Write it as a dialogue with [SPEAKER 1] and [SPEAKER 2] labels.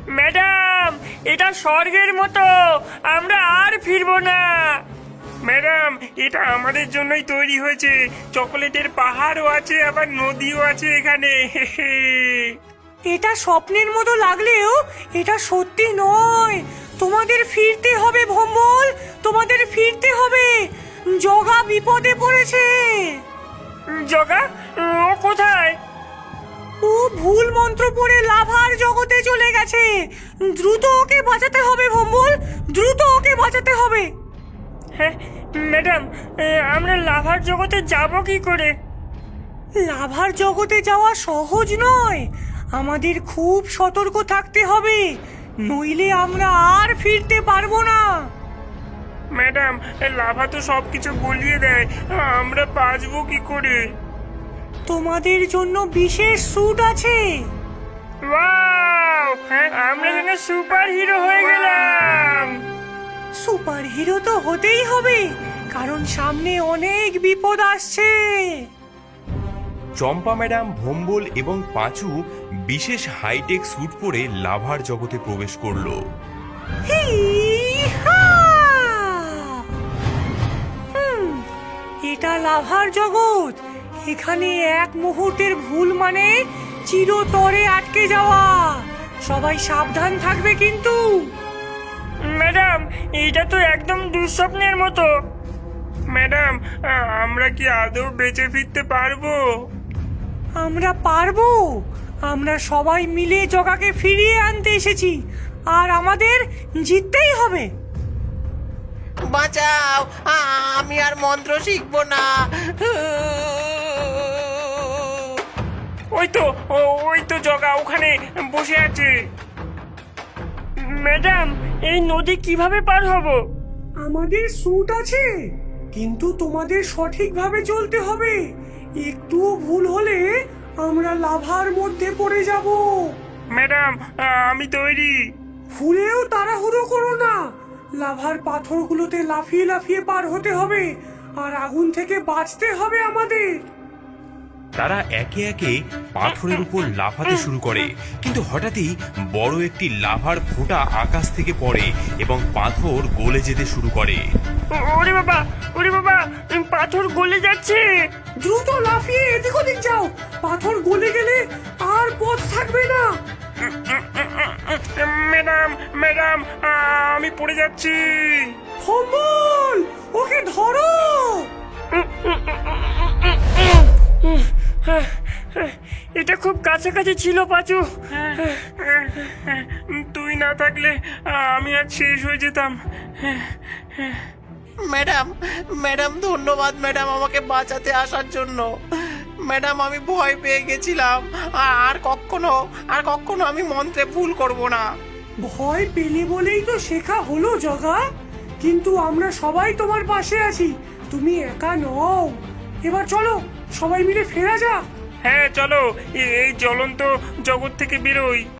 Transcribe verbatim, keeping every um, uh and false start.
[SPEAKER 1] Madam, এটা স্বর্গের মতো, আমরা আর ফিরবো না। ম্যাডাম, এটা আমাদের জন্যই তৈরি হয়েছে। চকোলেটের পাহাড়ও আছে, আবার নদীও আছে এখানে।
[SPEAKER 2] এটা স্বপ্নের মতো লাগলেও এটা সত্যি নয়। তোমাদের ফিরতে হবে ভম্বল, তোমাদের ফিরতে হবে। জগা বিপদে পড়েছে।
[SPEAKER 1] জগা, ও কোথায়?
[SPEAKER 2] ও ভুল মন্ত্র পড়ে লাভার জগতে চলে গেছে। দ্রুত ওকে বাঁচাতে হবে ভম্বল, দ্রুত ওকে বাঁচাতে হবে।
[SPEAKER 1] হ্যাঁ ম্যাডাম, আমরা লাভার জগতে যাব কি করে?
[SPEAKER 2] লাভার জগতে যাওয়া সহজ নয়, আমাদের খুব সতর্ক থাকতে হবে, নইলে আমরা আর ফিরতে পারবো না।
[SPEAKER 1] ম্যাডাম, লাভা তো সবকিছু গলিয়ে দেয়, আমরা বাঁচবো কি করে?
[SPEAKER 2] তোমাদের জন্য বিশেষ স্যুট আছে।
[SPEAKER 1] ওয়াও, হ্যাঁ, আমরা যেন সুপার হিরো হয়ে গেলাম।
[SPEAKER 2] সুপার হিরো তো হতেই হবে, কারণ সামনে অনেক বিপদ আসছে।
[SPEAKER 3] চম্পা ম্যাডাম, ভম্বল এবং পাঁচু বিশেষ হাইটেক স্যুট পরে লাভার জগতে প্রবেশ করলো।
[SPEAKER 2] হি-হা! হুম, এটা লাভার জগৎ। এখানে এক মুহূর্তের ভুল মানে চিরতরে আটকে যাওয়া। সবাই সাবধান থাকবে কিন্তু।
[SPEAKER 1] ম্যাডাম, এটা তো একদম দুঃস্বপ্নের মতো। ম্যাডাম, আমরা কি আদৌ বেঁচে ফিরতে পারবো?
[SPEAKER 2] আমরা পারবো, আমরা সবাই মিলে জগাকে ফিরিয়ে আনতে এসেছি, আর আমাদের জিততেই হবে।
[SPEAKER 4] বাঁচাও, আমি আর মন্ত্র শিখবো না।
[SPEAKER 1] ওই তো, ওই তো জগা ওখানে বসে আছে। ম্যাডাম, এই নদী কিভাবে পার হব?
[SPEAKER 2] আমাদের স্যুট আছে, কিন্তু তোমাদের সঠিকভাবে চলতে হবে। একটুও ভুল হলে আমরা লাভার মধ্যে পড়ে যাব।
[SPEAKER 1] ম্যাডাম, আমি তৈরি।
[SPEAKER 2] ভুলেও তাড়াহুড়ো করো না, লাভার পাথরগুলোতে লাফিয়ে লাফিয়ে পার হতে হবে, আর আগুন থেকে বাঁচতে হবে আমাদের।
[SPEAKER 3] তারা একে একে পাথরের উপর লাফাতে শুরু করে, কিন্তু হঠাৎই বড় একটি লাভার ফোঁটা আকাশ থেকে পড়ে এবং পাথর গলে যেতে শুরু করে।
[SPEAKER 1] ওরে বাবা, ওরে বাবা, পাথর গলে যাচ্ছে।
[SPEAKER 2] দ্রুত লাফিয়ে এদিক ওদিক যাও, পাথর গলে গেলে আর পথ থাকবে না।
[SPEAKER 1] ম্যাডাম, ম্যাডাম, আমি পড়ে যাচ্ছি।
[SPEAKER 2] ভম্বল, ওকে ধরো।
[SPEAKER 1] এটা খুব কাছাকাছি ছিল পাঁচু। তুই না থাকলে আমি আর শেষ হয়ে যেতাম।
[SPEAKER 4] ম্যাডাম, ম্যাডাম ধন্যবাদ ম্যাডাম আমাকে বাঁচাতে আসার জন্য। ম্যাডাম, আমি ভয় পেয়ে গেছিলাম, আর কখনো আর কখনো আমি মন্ত্রে ভুল করব না।
[SPEAKER 2] ভয় পেলে বলেই তো শেখা হলো জগা, কিন্তু আমরা সবাই তোমার পাশে আছি, তুমি একা নও। এবার চলো সবাই মিলে ফেরা যাক।
[SPEAKER 1] হ্যাঁ চলো, এই জ্বলন্ত জগৎ থেকে বেরোই।